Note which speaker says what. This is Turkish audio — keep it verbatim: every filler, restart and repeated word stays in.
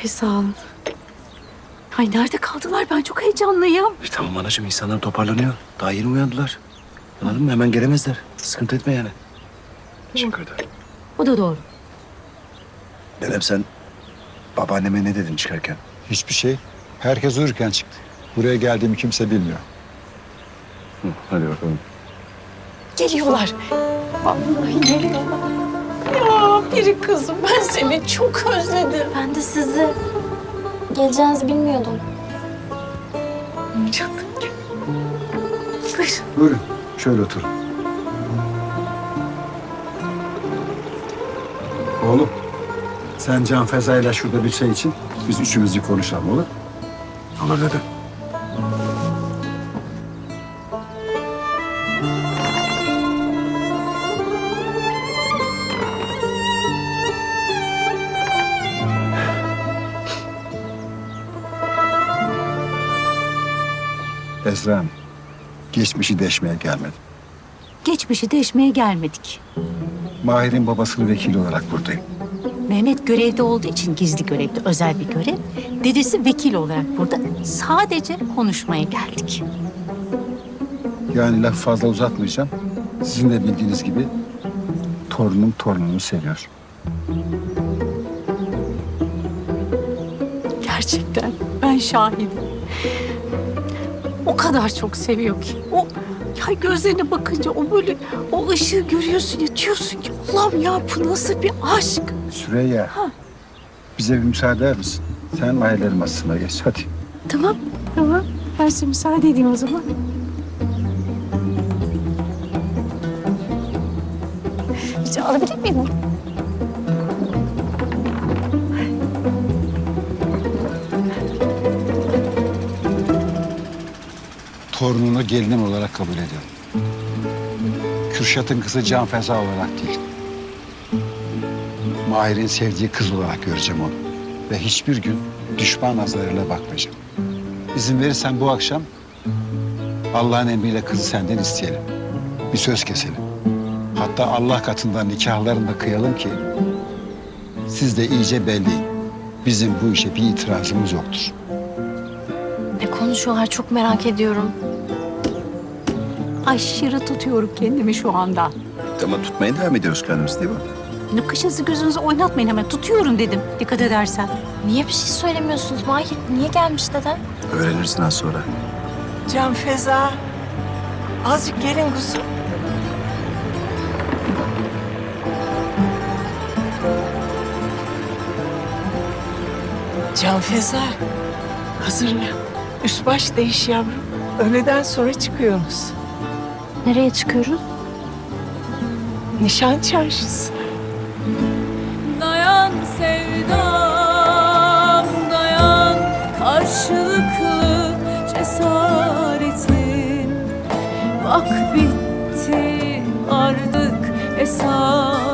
Speaker 1: Ay sağ olun. Ay nerede kaldılar? Ben çok heyecanlıyım.
Speaker 2: E, tamam anacığım, insanlar toparlanıyor. Daha yeni uyandılar. Anladın mı? Hemen gelemezler. Sıkıntı etme yani. Teşekkür ederim.
Speaker 1: O da doğru.
Speaker 2: Dedem, sen babaanneme ne dedin çıkarken?
Speaker 3: Hiçbir şey. Herkes uyurken çıktı. Buraya geldiğimi kimse bilmiyor.
Speaker 2: Hı, hadi bakalım.
Speaker 1: Geliyorlar. Vallahi geliyorlar. Ya biri kızım, ben seni çok özledim.
Speaker 4: Ben de sizi geleceğinizi bilmiyordum.
Speaker 1: Canım. Buyur.
Speaker 3: Buyurun. Şöyle oturun. Oğlum, sen Can Feza'yla şurada bir çay için biz üçümüz bir konuşalım, olur?
Speaker 2: Olur dede.
Speaker 3: Esra Hanım, geçmişi deşmeye gelmedim.
Speaker 1: Geçmişi deşmeye gelmedik.
Speaker 3: Mahir'in babasının vekili olarak buradayım.
Speaker 1: Mehmet görevde olduğu için gizli görevde, özel bir görev. Dedesi vekil olarak burada. Sadece konuşmaya geldik.
Speaker 3: Yani lafı fazla uzatmayacağım. Sizin de bildiğiniz gibi torunum torunumu seviyor.
Speaker 1: Gerçekten ben şahidim. O kadar çok seviyor ki. O ya gözlerine bakınca o böyle o ışığı görüyorsun ya, diyorsun ki Allah'ım ya bu nasıl bir aşk.
Speaker 3: Süreyya, bize bir müsaade eder misin? Sen Mahir'lerin masasına geç, hadi.
Speaker 1: Tamam, tamam. Ben size müsaade edeyim o zaman. Hiç alabilir miyim?
Speaker 3: Torununu gelinim olarak kabul ediyorum. Kürşat'ın kızı Can Feza olarak değil. Mahir'in sevdiği kız olarak göreceğim onu. Ve hiçbir gün düşman nazarıyla bakmayacağım. İzin verirsen bu akşam Allah'ın emriyle kızı senden isteyelim. Bir söz keselim. Hatta Allah katında nikahlarını da kıyalım ki siz de iyice belleyin. Bizim bu işe bir itirazımız yoktur.
Speaker 4: Ne konuşuyorlar çok merak ediyorum.
Speaker 1: Aşırı tutuyorum kendimi şu anda.
Speaker 2: Ama tutmaya devam ediyoruz kendimiz, değil mi?
Speaker 1: Yani kaşınızı gözünüzü oynatmayın hemen. Tutuyorum dedim dikkat edersen.
Speaker 4: Niye bir şey söylemiyorsunuz Mahir? Niye gelmiş dedem?
Speaker 2: Öğrenirsin az sonra.
Speaker 5: Can Feza, azıcık gelin kuzum. Can Feza, hazırla. Üst baş değiş yavrum. Öğleden sonra çıkıyoruz.
Speaker 4: Nereye çıkıyoruz?
Speaker 5: Nişan çarşısı.
Speaker 6: Dayan sevdam dayan, karşılıklı cesaretin. Bak bitti artık hesap.